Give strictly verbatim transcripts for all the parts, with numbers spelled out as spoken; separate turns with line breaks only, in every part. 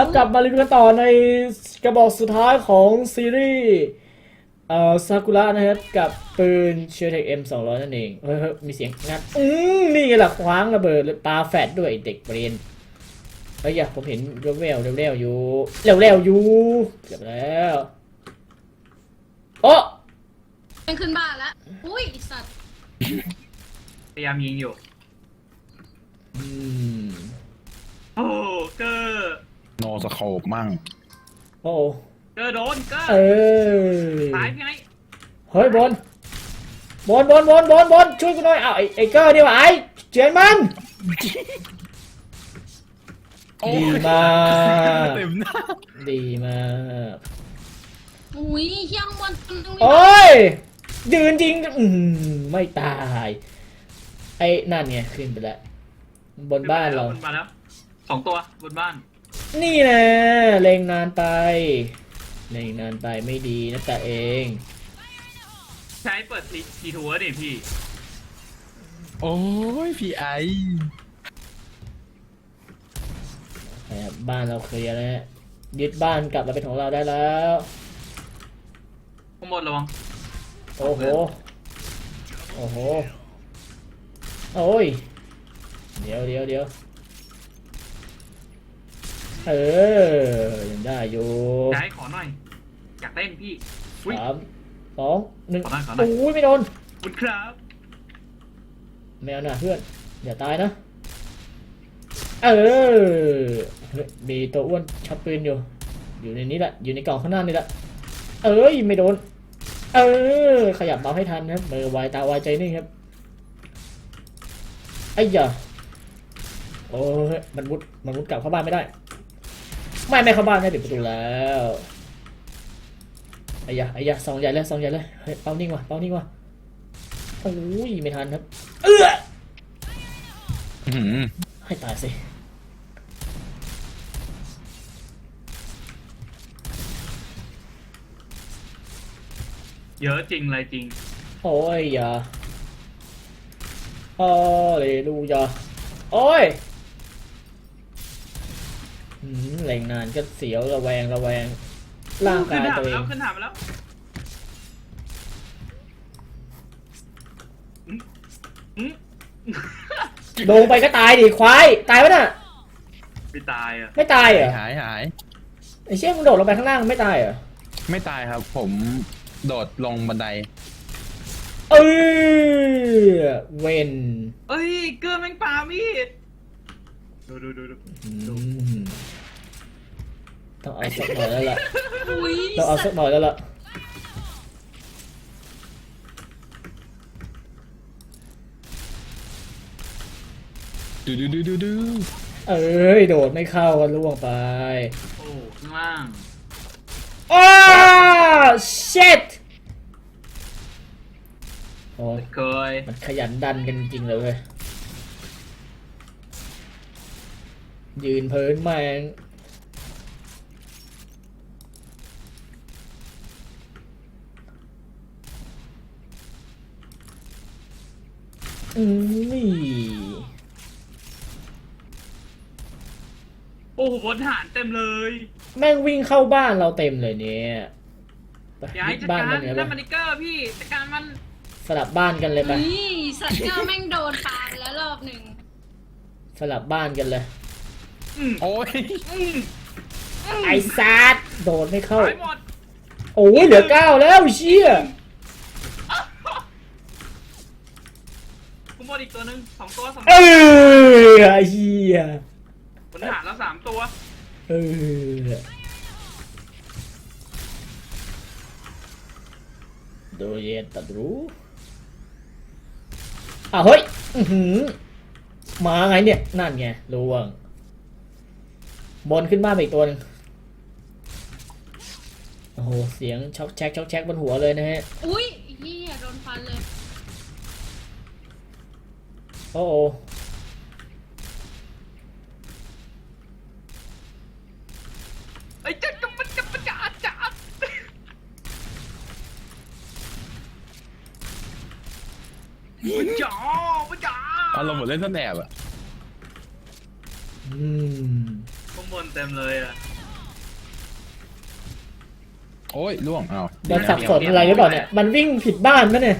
ครับกลับมารีวิวกันต่อในกระบอกสุดท้ายของซีรีส์เอ่อซากุระนะครับกับปืนเชอร์เทค เอ็ม สองร้อยนั่นเองเฮ้ยมีเสียงงัดอืมนี่ไงล่ะคว้างระเบิดปาแฟดด้วยเด็กเบรนเฮ้ยอย่าผมเห็นเร็วๆเร็วๆอยู่เร็วๆอยู่เกือบแล้วโอ้
เป็นขึ้นบ้านแล้วอุ้ยสัตว์
พยายามยิงอยู่
อืม
โอ้เกอร์
โนสโคปมั่ง
โอ้
เกอร์โดนเกอร์
เออ
ตายพี่ไง
เฮ้ยบอลบอลบอลบอลบอลบอลช่วยกูหน่อยอ้าวไอ้ไอ้เกอร์นี่หว่าไอ้เจียนมันดีมากดีมาก
อุ้ยเฮี้ยงบอล
โอ้ยยืนจริงอืมไม่ตายไอ้นั่นไงขึ้นไปแล้วบนบ้านเรา
บนบ้านแล้วสองตัวบนบ้าน
นี่นะเล็งนานไปเล็งนานไปไม่ดีนะแต่เอง
ใช้เปิดทีทัวร์ดิพี่
โอ้ยพี่ไอ
บ้านเราเคลียร์แล้วยึดบ้านกลับมาเป็นของเราได้แล้ว
ข้างบนระวัง
โอ้โหโอ้โหโอ้ยเดี๋ยวเดี๋ยวเดี๋ยวเออยังได้อยู่
ใช้ขอหน่อยอยากเต้นพี่
สามสองหนึ่งโอ้ยไม่โดน
คุณครับ
แมวหน่าเพื่อนอย่าตายนะเออมีตัวอ้วนชักปืนอยู่อยู่ในนี้แหละอยู่ในกล่องข้างหน้านี่แหละเอ้ยไม่โดนเออขยับเบาให้ทันครับมือไวตาไวใจนิ่งครับไอ้ยาโอ้ยมันมุดมันมุดกลับเข้าบ้านไม่ได้ไม่ไม่เข้าบ้านได้ปิดประตูแล้วไอ้ยาไอ้ยาซองใหญ่เลยซองใหญ่เลยเฮ้ยเป้านิ่งว่ะเป้านิ่งว่ะโอ้ยไม่ทันครับเออให้ตายสิ
เยอะจริงเลยจริง
โอ้ยอย่าโอ้เลยดูอย่าโอ้ยแรงนานก็เสียวระแวงระแวงร่างกายตัวเอง
ขึ้นถามแล้ว
ลงไปก็ตายดิควายตายปะน่ะ
ไม่ตายอ่ะ
ไม่ตายเหรอ
หายหาย
ไอ้เชี่ยมึงโดดลงไปข้างล่างไม่ตายเหรอ
ไม่ตายครับผมโดดลงบันได
เออเวน
เอ้ยเกอร์แม่งปามีดดูดูดูดู
ต้องเอาสักหน่อยแล้วล่ะต้องเอาสักหน่อยแล้วล่ะ
ดูดูดูดูดู
เอ้ยโดดไม่เข้ากันล่วงไป
โอ้ข้างล่าง
อ้าเช็ดโอ้ย
เคย
มันขยันดันกันจริงเลยเว้ยยืนเพินแมงอืมนี่
โอ้โหบนฐานเต็มเลย
แม่งวิ่งเข้าบ้านเราเต็มเลยเนี่ย
ย้ายจัดการนั่นมันนิกเกอร์พี่จัดการมัน
สลับบ้านกันเลยไป
นี่สัตว์เจ้าแม่งโดนปาแล้วรอบหนึ่ง
สลับบ้านกันเลย
โอ้ย
ไอ้ซัดโดนไม่เข้าโอ้ยเหลือเก้าแล้วเชี่ย
กูหมดอีกตัวหนึ่งสองตัวสอง
เออไอ้เหี้ย
บนฐานแล้วสามตัว
เออโดยเย็นตัดรู้อ่ะเฮ้ยมาไงเนี่ยนั่นไงลวงบนขึ้นบ้านไปอีกตัวหนึ่งโอ้โหเสียงช็อกแช็กช็อกแช็กบนหัวเลยนะฮะ
อุ้ยเหี้ยโดนฟันเลย
โอ้โห
ไอ้เจ้าจับมันจับมันจับจับมันจ๋อมันจ๋อ
อารมณ์เหมือนเล่นซ่อนแอบอะ
อืม
ข้างบนเต็มเลยอ่ะ
โอ้ยล่วงอ้าว
มันสับสนอะไรหรือเปล่าเนี่ยมันวิ่งผิดบ้านไหมเนี่ย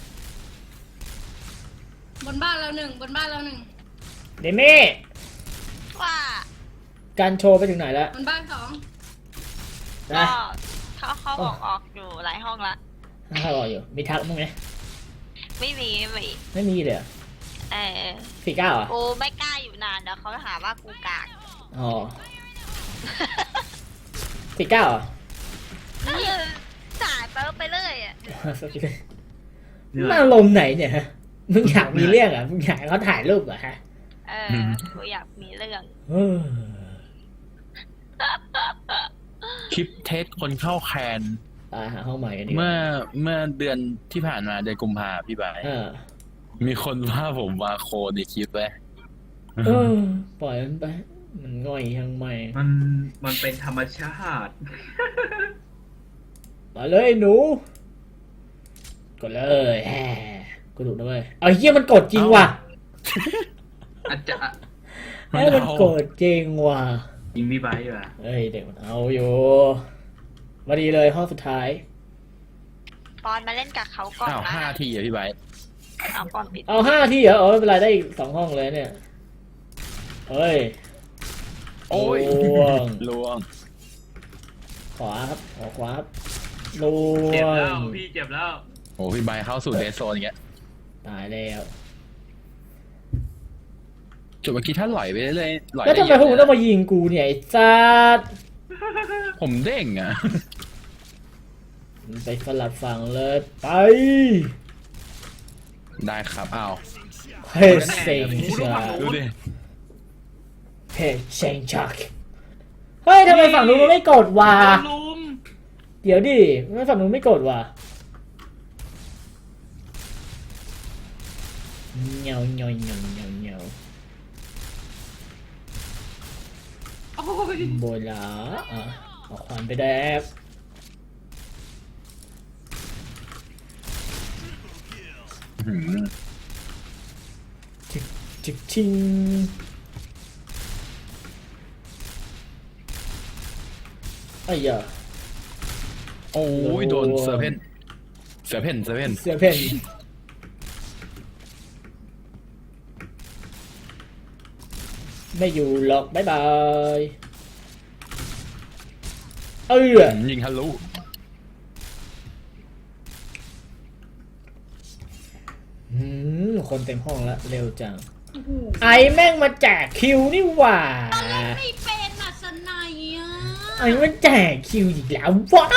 บนบ้านเราหนึ่งบนบ้านเราหนึ่ง
เดเม่
ว่า
การโชว์ไปถึงไหนแล้ว
บนบ้านสอง
ก็
นะ
เขาเขาออกออกอยู่หลายห้องละ
ถ้ารออยู่มีทักมั้งไหม
ไม่มีไม่มี
ไม่มีเลยเหรอ
เออ
สี่เก้าอ่ะ
กูไม่กล้าอยู่นานเดี๋ยวเขาหาว่ากูกาก
อ๋อสี่เก้าอ่ะ
เออจ่ายเปิไปเลยอ่ะ
มาลมณ์ไหนเนี่ยฮะมึงอยากมีเรื่องอ่ะมึงอยากให้เขาถ่ายรูปเหรอฮะ
เออกูอยากมีเรื่อง
เออ
คลิปเทสคนเข้าแคน
ตายหาห้องใหม่กันดีกว่า
เมื่อเมื่อเดือนที่ผ่านมาเดือนกุมภาพี่บาย
เออ
มีคนว่าผมมาโคในคลิปไว้
เออปล่อยมันไปมันง่อยยังไม่
มันมันเป็นธรรมชาติ
มาเลยหนูกดเลยแหมกดถูกนะเว้ยเอาเฮียมันกดจริงว่ะ
อาจจะ
เฮ้ยมันกดจริงว่ะ
ยิงพี่ไบค์ว่ะ
เอ้ยเด็กมันเอาอยู่มาดีเลยห้องสุดท้าย
ปอนมาเล่นกับเขาก่อน
อ้าว
นะ
ห้าทีอะพี่บาย
เอาก่อนปิด
เอาห้าที่เหรอเออไม่เป็นไรได้อีกสองห้องเลยเนี่ยเฮ้ย
โอ้ย
ล่วง
ล่วง
ขวาครับขวาขวาครับล
เจ็บ
ว
แล้ว
ง
พี่เจ็บแล้ว
โอ้พี่บายเข้าสู่เดซโซนอย่างเงี้ย
ตายแล้ว
จุดเมื่อกี้ถ้าหล่อยไปเรื่อยๆหล่อย
แล้วทำไมพวกมึงต้องมายิงกูเนี่ยไอ้ซัด
ผมเด้งอ่ะ
ไปสลับฝั่งเลยไป
ได้ครับอ้าว
เฮ้ยเซ็งชัก
ดูดิ
เฮ้ยเซ็งชักเฮ้ยทำไมฝั่งนู้นมันไม่กดวะ
ลุม
เดี๋ยวดิทำไมฝั่งนู้นไม่กดวะเงาเงาเงาเงาเงา
โอ้ย
โบลาอ่ะเอาควันไปแดก
อื้อหือ
จิกชิงไอ้ยา
โอ้ยโดนเซอร์เพนเสือเพนเสือเพน
เสือเพ่นไม่อยู่หรอกบ๊ายบายเออ
ยิงทะลุ
หืมคนเต็มห้องแล้วเร็วจังไอแม่งมาแจกคิวนี่หว่า
ไม่เป็นอ่ะสนายอ่ะ
ไอมันแจกคิวอีกแล้ววะ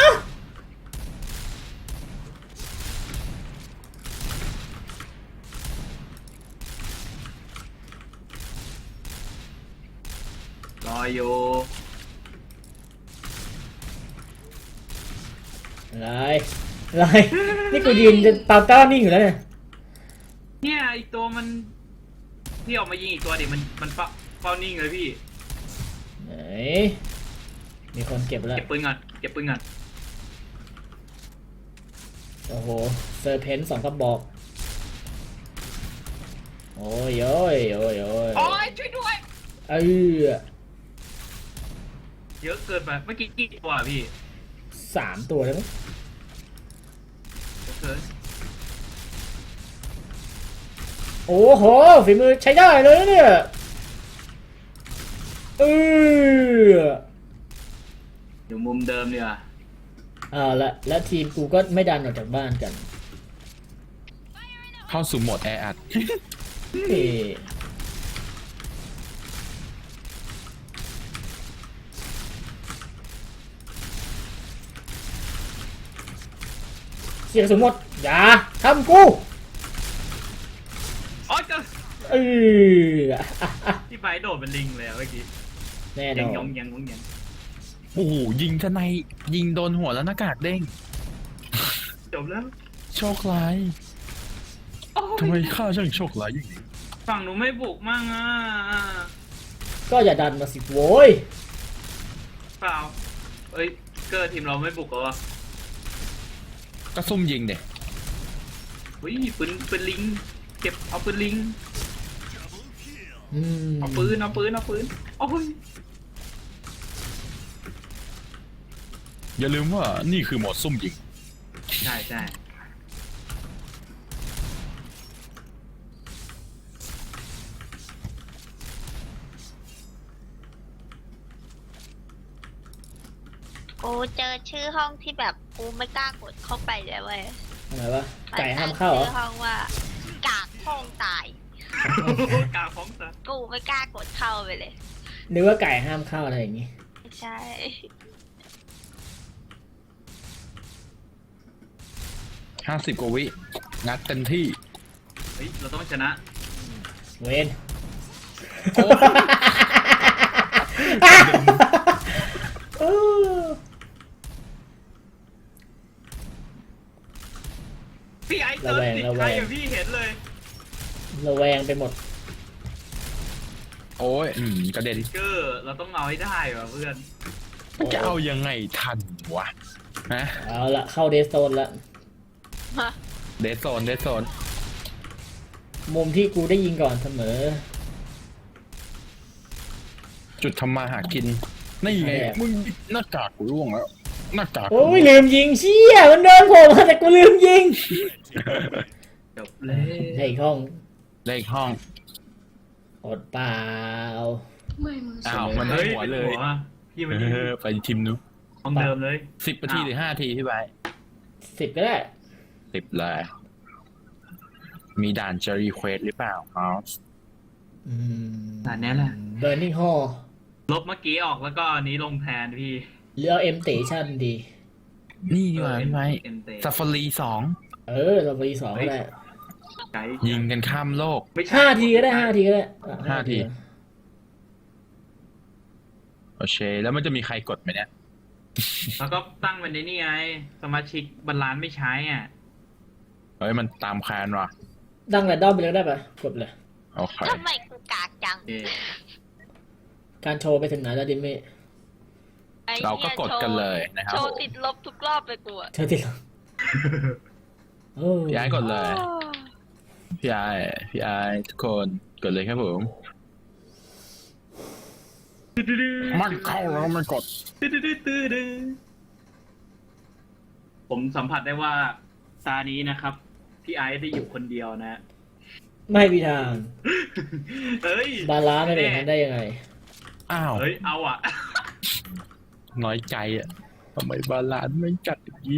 รออยู่
อะไรอะไรนี่กูยืนจะเตาต้านิ่งอยู่แล้วเนี่ย
เนี่ยอีกตัวมันพี่ออกมายิงอีกตัวดิมันมันเฝ้าเฝ้านิ่งเลยพี่
ไหนมีคนเก็บแล้ว
เก็บปืนก่อนเก็บปืนก่อน
โอ้โหเซอร์เพนสองกระบอกโอ้ยโอ้ยโอ้ยโอ้ย
โอ้ยช่วยด้วย
เออ
เยอะเกินไปเมื่อกี้กี่ตัวอะพี่
สามตัวแล้วมั้ง
เยอะเกิน
โอ้โหฝีมือใช้ได้เลยนะเนี่ยเออ
อยู่มุมเดิมเนี่ย
อ่าละและทีมกูก็ไม่ดันออกจากบ้านกัน
เข้าสู่โหมดแออัด
เฮ้เสียงสมมติอย่าทำกู
อ๋อเจอ
เออ
พี่ไบค์โดดเป็นลิงเลยอะเมื่อกี้
แน่น
ยั
อง
ยง
น
ยังยงยัง
โอ้โหยิงทนายยิงโดนหัวแล้วหน้ากากเด้ง
จบแล้ว
โชคร้าย
โอ้ย
ทำไมข้าช่างโชคร้ายอย่างนี้
ฝั่งหนูไม่บุกมั่งอ่ะ
ก็อย่าดันมาสิโว้ย
เปล่าเอ้ยเกิดทีมเราไม่บุกเหรอวะ
ก็ซุ่มยิงเด็
อุ้ยปืนปืนลิงเก็บเอาปืนลิง
อืม
เอาปืนเอาปืนเอาปืนโอ้ย
อย่าลืมว่านี่คือโหมดซุ่มยิง
ใช่ใช่
กูเจอชื่อห้องที่แบบกูไม่กล้ากดเข้าไปเลยเว้ย
อะไรวะไก่ห้ามเข้าเหรอ
ชื่อห้องว่ากากห้องตาย
กาของซะ
กูไม่กล้ากดเข้าไปเลย
นึกว่าไก่ห้ามเข้าอะไรอย่างงี้
ไม่ใช่
ห้าสิบกว่าวิงัดเต็มที่
เฮ้ยเราต้องชนะ
เวน เออ
พี่ไอ้เติร์ดติดใครอย่างพี่เห็นเลย
ระแวงไปหมด
โอ้ยอืมกระเด็น
เกอร์เราต้องเอาให้ได้ว่ะเพื่อน
มันจะเอายังไงทันวะฮะ
เอาละเข้าเดสโซนละ
เดซโซนเดซโซน
มุมที่กูได้ยิงก่อนเสมอ
จุดทำมาหากินนี่ไง
แอบ
มึงหน้ากากกูร่วงแล้วหน้ากากกู
โอ้ยลืมยิงเชี่ยมันเดินโผล่มาแต่กูลืมยิง
จบเลย
ในห้อง
เลขห้อง
อดเปล่า
ไม่มึง
อ้าวมัน
เฮ้ย
หัวเลย
ป็นหัพี่มัน
เออไปทีมนู้น
ของเดิมเลย
สิบนาทีหรือห้านาทีพี่ใบ
สิบก็ได้
สิบเลยมีด่านเจอรีเควสหรือเปล่าอ๋อ
อืม
ด่านนี้แหละ
เบอร์นิ่งฮอล
ลบเมื่อกี้ออกแล้วก็อันนี้ลงแทนพี่
หรือเอาเอ็มเตชั่นดี
นี่ดีกว่าพี่ใบ
เอ็มเต
ซาฟารีสอง
เออเราไปสองก็ได้
ไกด์
ยิงกันข้ามโลก
ไม่ใช่
ห้าทีก็ได้ห้าทีก็ได้อ่ะ
ห้าที โอเค แล้วมันจะมีใครกดไหมเนี่ย
แล้วก็ตั้งเป็นในนี่ไง สมาชิกบรรลานไม่ใช้อ่ะ
เฮ้ย มันตามแคนว่ะ
ดังแรนดอมไปเลยได้ปะกดเลย
โอเค
ทำไมกูกากจัง
เอ
การโชว์ไปถึงไหนแล้วดิเม่
ไอ้
เราก็
หี้ย
กดกันเลยนะครับ
โชว์ติดลบทุกรอบเลยกูอะ
เธอติดเหรอโอ้
พี่ไอ้กดเลย พี่ไอ้พี่ไอ้ทุกคนกดเลยครับผม มันเข้าแล้วมันกด
ผมสัมผัสได้ว่าตานี้นะครับ พี่ไอซ์ได้อยู่คนเดียวนะ
ไม่มีทาง
เฮ้ย
บาลานซ์ไม่เป็นอย่างนั้นได้ยังไง
อ้าว
เฮ้ย เอาอ่ะ
น้อยใจอ่ะทำไมบาลานซ์ไม่จัดอย่างนี้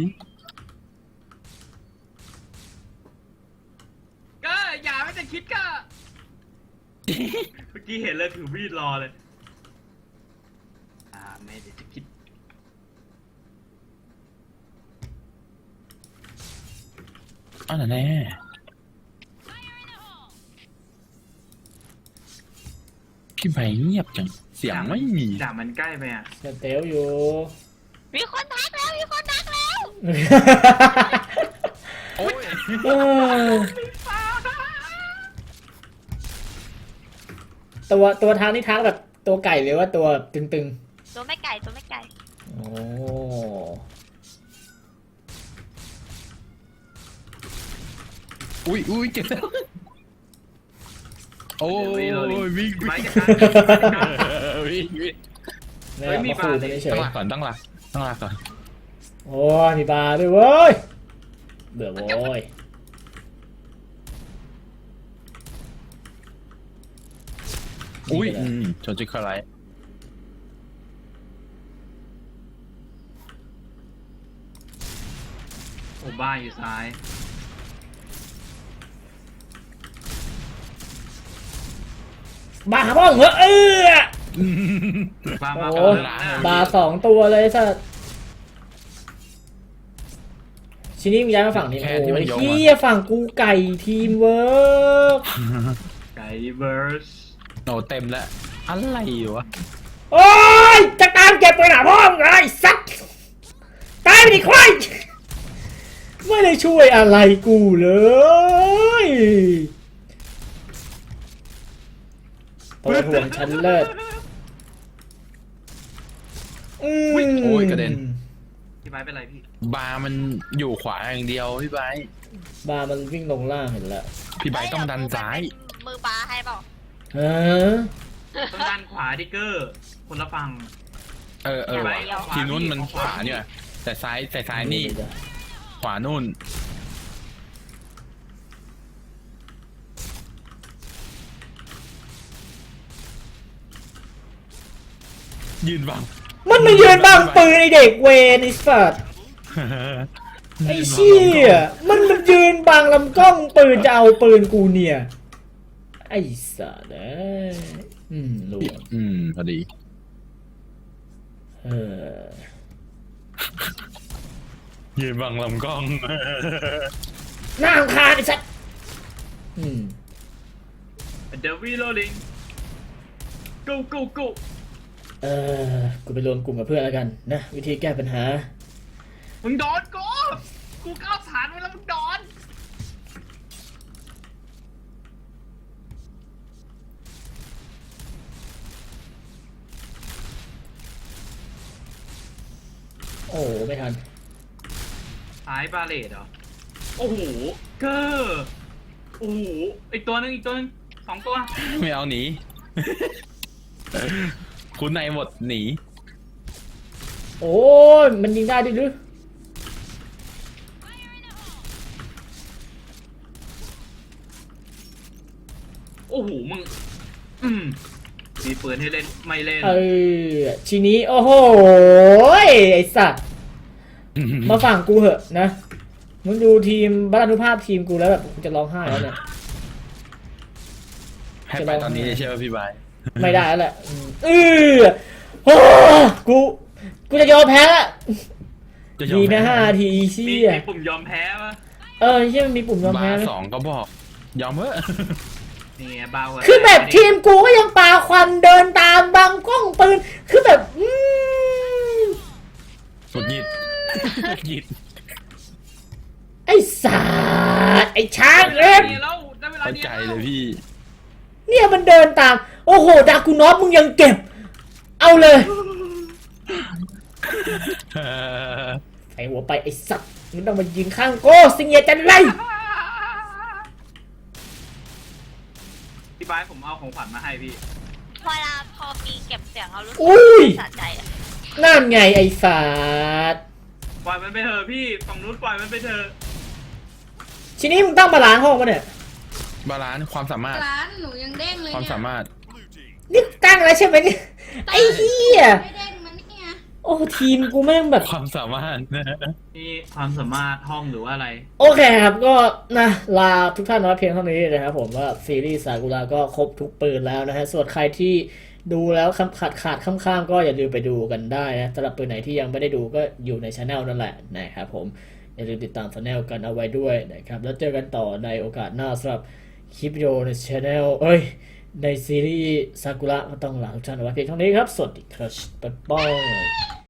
ก็อย่าไม่จะคิดก็ เมื่อกี้เห็นเลยถือมีดรอเลย อ่าไม่ได้จะคิด
อ้าวแน่พี่ใบเงียบจัง เสียงไม่มี
ด่ามันใกล้ไปอ่ะ
สเตลอยู่
มีคนทักแล้วมีคนทักแล้ว
โอ้ย
เออตัวตัวทางนี่ทางแบบตัวไก่หรือว่าตัวตึง
ตัวไม่ไก่ตัวไม่ไก่
ๆ โอ้
อุ้ยอุ้ยเจ็บแล้วโอ้ยวิ่ง
ไป
วิ่ง
กันนะ
วิ่งวิ่ง
ไม่
เฮ้ย
เอา
มี
มาขู่
บาร์
มันเฉ
ตั้
ย
งหลักก่อนตั้งหลักตั้งหลักก่อน
ๆโอ้ยมีบาร์ด้วยเว้ย เบื่อโว้ย
อุ้ย
นี่ก็ได้
อืมชนจิคาไลท์
โอ้บ้าอยู่ซ้าย
บาร์บ้องเหรอเออ
บ้ามา
โอ้
บ้า
บาร์สองตัวเลยสัสชินี่มึงย้ายมาฝั่งนี้โอ้ยเฮียฝั่งกูไก่ทีมเวิร์ก
ไก่เบิร์ส
โนเต็มแล้วอะไรวะ
โอ้ยจะตามเก็บไปหนาพ่อมึงไงสัตว์ตายไปดิควายไม่ได้ช่วยอะไรกูเลยตัวถ่วงชั้นเลิศอืม
โอ้ยกระเด็น
พี่ไม้เป็นไรพี่
บาร์มันอยู่ขวาอย่างเดียวพี่ไบร์ท
บาร์มันวิ่งลงล่างเห็นแล้ว
พี่ไบร์ทต้องดันซ้าย
มือบาให้เปล่า
ฮะ
ต้องด้านขวาดิเกอร์ คนละฝั่ง
เออเออว่ะทีมนู้นมันขวาเนี่ยแต่ซ้ายแต่ซ้ายนี่ ขวานู่น ยืนบัง
มันมายืนบังปืนไอเด็กเวนไอ้สัตว์ไอ้เชี่ยมันมันยืนบังลำกล้องปืนจะเอาปืนกูเนี่ยไอ้สัตว์เอ้ยอืมรู้
อืมพอดี
เออ
ยืนบังลำกล้อง
หน้าอังคารไอ้สัตว์อืม
เดวิโรลิง go go go
เออกูไปรวมกลุ่มกับเพื่อนแล้วกันนะวิธีแก้ปัญหา
มึงโดนกูกูก้าวสารไว้แล้วมึงโดน
โอ้ไม่ทัน
หายบาเลตเหรอโอ้โหเกอร์โอ้โหอีกตัวหนึงอีกตัวหนึงสองตัว
ไม่เอาหนี คุณนายหมดหนี
โอ้ยมันยิงได้ดิหรือ
โอ้โหมึงอืมมีปืนให้เล่นไม่เล่น
เออทีนี้โอ้โหไอสัตว์มาฝั่งกูเหอะนะมึงดูทีมบรรณุภาพทีมกูแล้วแบบกูจะร้องไห้แล้วเนี่ย
ให้ไปตอนนี้ใช่ไหมพี่บาย
ไม่ได้แล้วแหละอืมเออโอ้กูกูจะยอมแพ้ละ
จะยอม
ดี
แพ้
นะห้าที
มี
เชี่ย
มีปุ่มยอมแพ้ปะ
เออเชี่ยมันมีปุ่มยอม
บา
แพ้ไหม
ร์สองก็บอก ยอมเถอะ
นี่ไงเบากว่า
คือแบบทีมกูก็ยังปาควันเดินตามบังกล้องปืนคือแบบอืม
หงุดหงิดหงุดหงิด
ไอ้สัตว์ไอ้ช้างเล็บ
ได้เวลานี้แล้วได้เวลา
เข้า
นี้
ใจ
แล้ว
เลยพี่
เนี่ยมันเดินตาม โอ้โหดากูนอฟมึงยังเก็บ เอาเลยใส่หัวไปไอ้สัตว์มึงต้องมายิงข้างโก้สิงเงียจันไร
พี่บายผมเอาของขวัญมาให้พี่
เวลาพอมีเก็บเสียงเรารู้สึก
อุ้ย
สะใจอะ
นั่นไงไอ้สัตว์
ปล่อยมันไปเถอะพี่ฝั่งนู้นปล่อยมันไปเถอะ
ทีนี้มึงต้องมาล้างห้องปะเนี่ย
บาลานซ์ความสามารถ
ร้านหนูยังเด้งเลย
ความ
เนี่ย
สามารถ
นี่ตั้งแล้วใช่ไหมเนี่ยไอ้เหี้ย
ไม่เด้งมันเนี่ย
โอ้ทีมกูแม่งแบบ
ความสามารถ
นี่ความสามารถห้องหรือว่าอะไร
โอเคครับก็นะลาทุกท่านน้อยเพียงเท่านี้นะครับผมว่าซีรีส์ซากุระก็ครบทุกปืนแล้วนะฮะส่วนใครที่ดูแล้วคำขาดขาดข้ามๆก็อย่าลืมไปดูกันได้นะสำหรับปืนไหนที่ยังไม่ได้ดูก็อยู่ในช anel นั่นแหละนะครับผมอย่าลืมติดตามช anel กันเอาไว้ด้วยนะครับแล้วเจอกันต่อในโอกาสหน้าสำหรับคลิปวิดีโอในช anel เอ้ยในซีรีส์ซากุระก็ต้องลาทุกท่านเอาไว้เพียงเท่านี้ครับสวัสดีครับบ๊ายบาย